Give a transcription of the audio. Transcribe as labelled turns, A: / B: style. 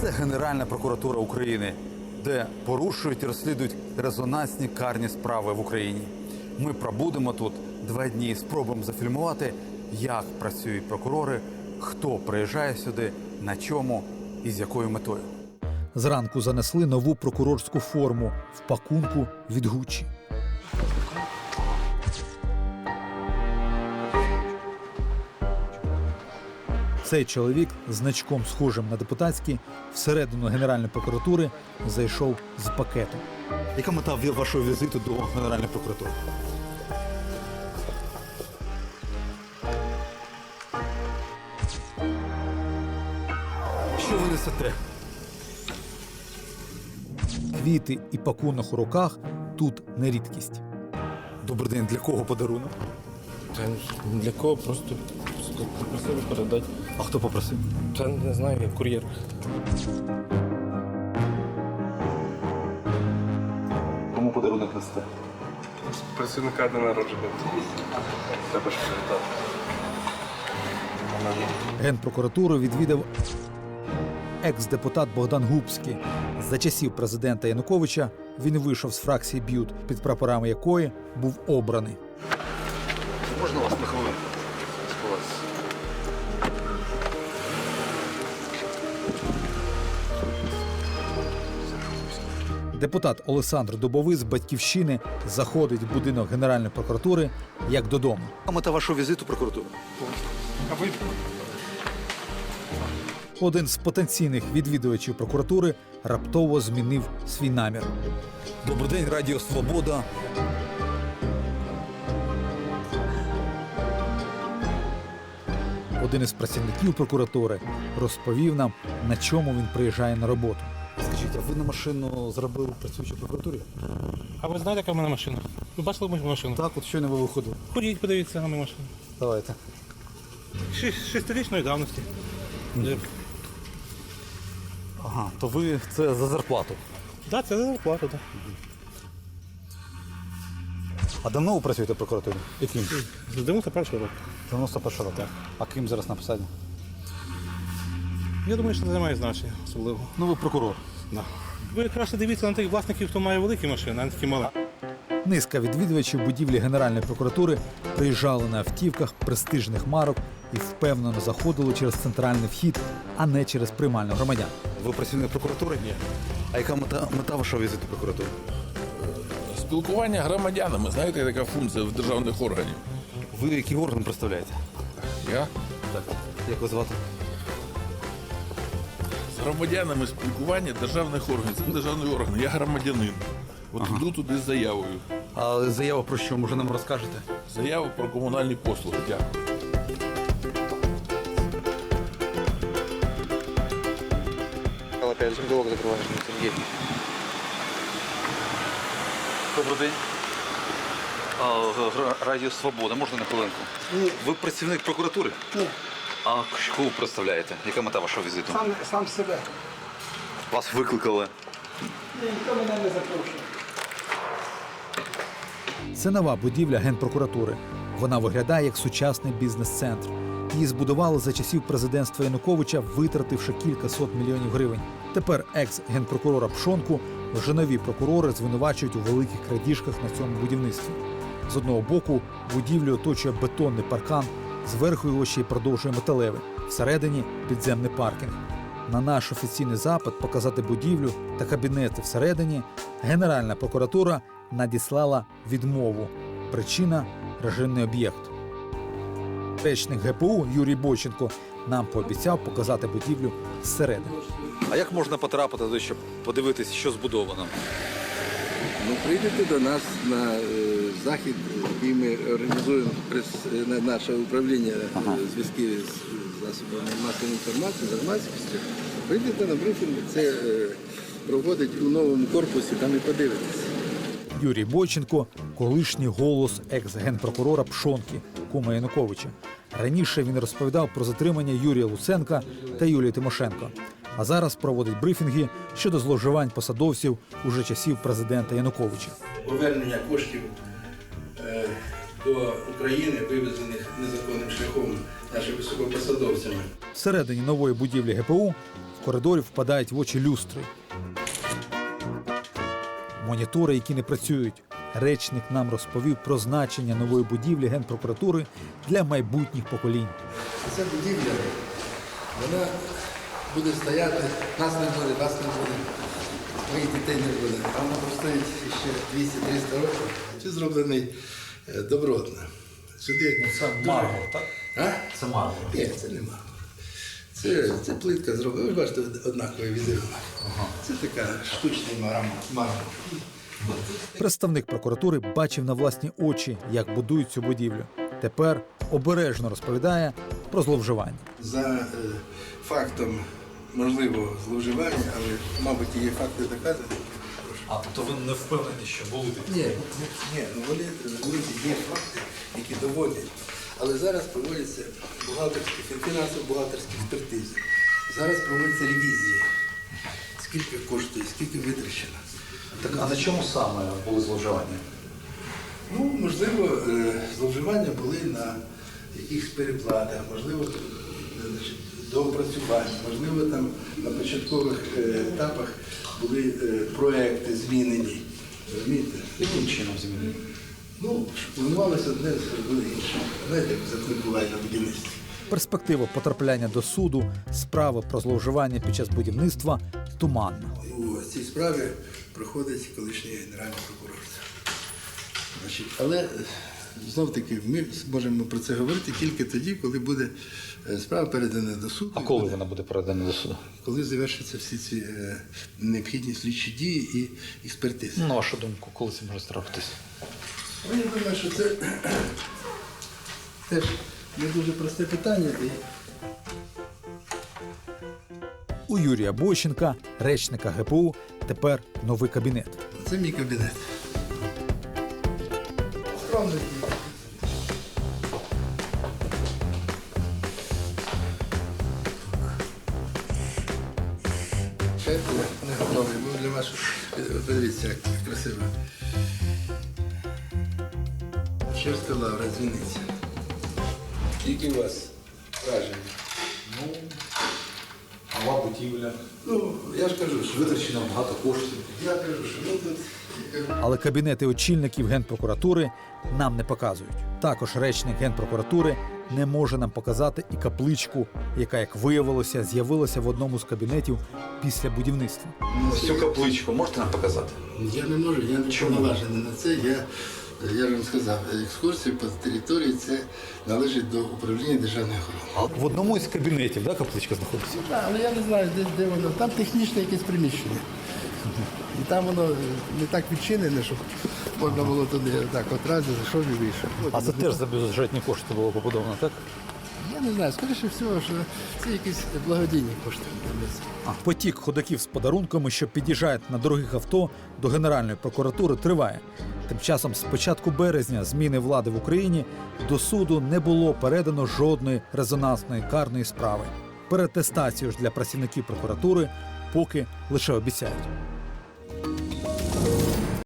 A: Це Генеральна прокуратура України, де порушують і розслідують резонансні карні справи в Україні. Ми пробудемо тут 2 дні і спробуємо зафільмувати, як працюють прокурори, хто приїжджає сюди, на чому і з якою метою. Зранку занесли нову прокурорську форму в пакунку від Гуччі. Цей чоловік з значком, схожим на депутатський, всередину Генеральної прокуратури зайшов з пакетом. Яка мета вашого візиту до Генеральної прокуратури? Що ви несете? Квіти і пакунок у руках тут не рідкість. Добрий день, для кого подарунок?
B: Та для кого? Просто попросили передати.
A: А хто попросив?
B: Та не знаю, як кур'єр.
A: Кому подарунок несете?
B: Працівника дня народження. Треба ж привітати.
A: Генпрокуратуру відвідав екс-депутат Богдан Губський. За часів президента Януковича він вийшов з фракції БЮТ, під прапорами якої був обраний. Можна вас на хвилинку? Депутат Олександр Дубовий з «Батьківщини» заходить в будинок Генеральної прокуратури як додому. А мета вашого візиту в прокуратуру? Один з потенційних відвідувачів прокуратури раптово змінив свій намір. Добрий день, Радіо Свобода. Один із працівників прокуратури розповів нам, на чому він приїжджає на роботу. Скажіть, а ви на машину зробили працюючи в прокуратурі?
B: А ви знаєте, яка в мене машина? Ви бачили мою машину?
A: Так, от щойно ви виходили.
B: Ходіть, подивіться на мою машину.
A: Давайте.
B: 6-річної давності.
A: Ага, то ви це за зарплату.
B: Так, це за зарплату, так.
A: А давно ви працюєте в прокуратурі? Яким?
B: З 91-го року.
A: 91 року.
B: Так.
A: А ким зараз на посаді?
B: Я думаю, що це не має значення особливо.
A: Ну, ви прокурор.
B: Да. Ви краще дивіться на тих власників, хто має великі машини, а не такі малі.
A: Низка відвідувачів будівлі Генеральної прокуратури приїжджали на автівках престижних марок і впевнено заходили через центральний вхід, а не через приймальну громадян. Ви працівник прокуратури? Ні. А яка мета вашого візиту в прокуратуру?
C: Спілкування громадянами, знаєте, така функція в державних органів.
A: Ви який орган представляєте?
C: Я
A: Так. Як вас звати?
C: з громадянами спілкування державних органів. Це державний орган, я громадянин. От йду туди з заявою.
A: А заява про що, може нам розкажете?
C: Заява про комунальні послуги. Дякую.
D: Опять заголовок закрываешь, Сергей.
A: Добрий день. Радіо Свобода, можна на хвилинку?
E: Ні.
A: Ви працівник прокуратури?
E: Ні,
A: А кого ви представляєте? Яка мета вашого візиту?
E: сам себе.
A: Вас викликали.
E: Ніхто мене не запрошує.
A: Це нова будівля Генпрокуратури. Вона виглядає як сучасний бізнес-центр. Її збудували за часів президентства Януковича, витративши кількасот мільйонів гривень. Тепер екс-генпрокурора Пшонку вже нові прокурори звинувачують у великих крадіжках на цьому будівництві. З одного боку будівлю оточує бетонний паркан, зверху його ще й продовжує металевий, всередині підземний паркінг. На наш офіційний запит показати будівлю та кабінети всередині Генеральна прокуратура надіслала відмову. Причина – режимний об'єкт. Речник ГПУ Юрій Бойченко нам пообіцяв показати будівлю зсередини. А як можна потрапити туди, щоб подивитися, що збудовано?
F: Ну, прийдете до нас на захід, який ми організуємо на наше управління зв'язків з засобами масової інформації, з громадськістю. Прийдете на брифінг, це проводить у новому корпусі, там і подивитесь.
A: Юрій Бойченко – колишній голос екс-генпрокурора Пшонки, кума Януковича. Раніше він розповідав про затримання Юрія Луценка та Юлії Тимошенко. А зараз проводить брифінги щодо зловживань посадовців уже часів президента Януковича.
F: Повернення коштів до України, вивезених незаконним шляхом нашими високопосадовцями.
A: Всередині нової будівлі ГПУ коридорів впадають в очі люстри. Монітори, які не працюють. Речник нам розповів про значення нової будівлі Генпрокуратури для майбутніх поколінь.
F: Ця будівля, вона буде стояти, нас не буде, вас не буде, моїх дітей не буде. А вона простоїть ще 200-300 років. Це зроблений добротно. Сюди
A: Це мармур, так?
F: А?
A: Це мармур.
F: Ні, це не мармур. Це плитка зроблена. Ви бачите, однаковий візерунок. Це така штучний мармур.
A: Представник прокуратури бачив на власні очі, як будують цю будівлю. Тепер обережно розповідає про зловживання.
F: За фактом можливого зловживання, але, мабуть, є факти доказані.
A: А тобто ви не впевнені, що були такі?
F: Ні, ну вони розумієте, є факти, які доводять. Але зараз проводяться фінансово-бухгалтерські експертизи. Зараз проводяться ревізії. Скільки коштує, скільки витрачено.
A: Так, а на чому саме були зловживання?
F: Ну, можливо, зловживання були на якихось переплатах, можливо, доопрацювання, можливо, там на початкових етапах були проекти змінені. Розумієте?
A: Яким чином змінили?
F: Ну, планувалося одне, зробили інше. Знаєте, як закон буває на будівництві.
A: Перспектива потрапляння до суду, справи про зловживання під час будівництва туманна.
F: У цій справі проходить колишній генеральний прокурор. Значить, але знов-таки ми зможемо про це говорити тільки тоді, коли буде справа передана до суду.
A: А коли вона буде передана до суду?
F: Коли завершаться всі ці необхідні слідчі дії і експертизи.
A: На вашу думку, коли це може трапитись?
F: Ну, я думаю, що це теж не дуже просте питання.
A: У Юрія Бойченка, речника ГПУ, тепер новий кабінет.
F: Це мій кабінет. Скромний. Шеф не готовий, бо для вас, подивіться, як красиво. Чешська лавра, дзвіниця. Які у вас враження?
A: Нова будівля.
F: Ну, я ж кажу, що
A: Витрачено багато коштів.
F: я кажу, що ну тут.
A: Але кабінети очільників Генпрокуратури нам не показують. Також речник Генпрокуратури не може нам показати і капличку, яка, як виявилося, з'явилася в одному з кабінетів після будівництва.
G: Цю капличку можете нам показати?
F: Я не можу, я не повноважений на це. Я ж вам сказав, екскурсія по території це належить до управління державної охорони.
A: В одному із кабінетів, да, капличка знаходиться?
F: Так, але я не знаю, де воно. Там технічне якесь приміщення. І там воно не так відчинене, щоб можна було туди так одразу зайшов і вийшов.
A: А це теж за бюджетні кошти було побудовано, так?
F: Я не знаю, скоріше всього, що це якісь благодійні кошти.
A: Потік ходаків з подарунками, що під'їжджають на дорогих авто до Генеральної прокуратури, триває. Тим часом з початку березня зміни влади в Україні до суду не було передано жодної резонансної карної справи. Переатестацію ж для працівників прокуратури поки лише обіцяють.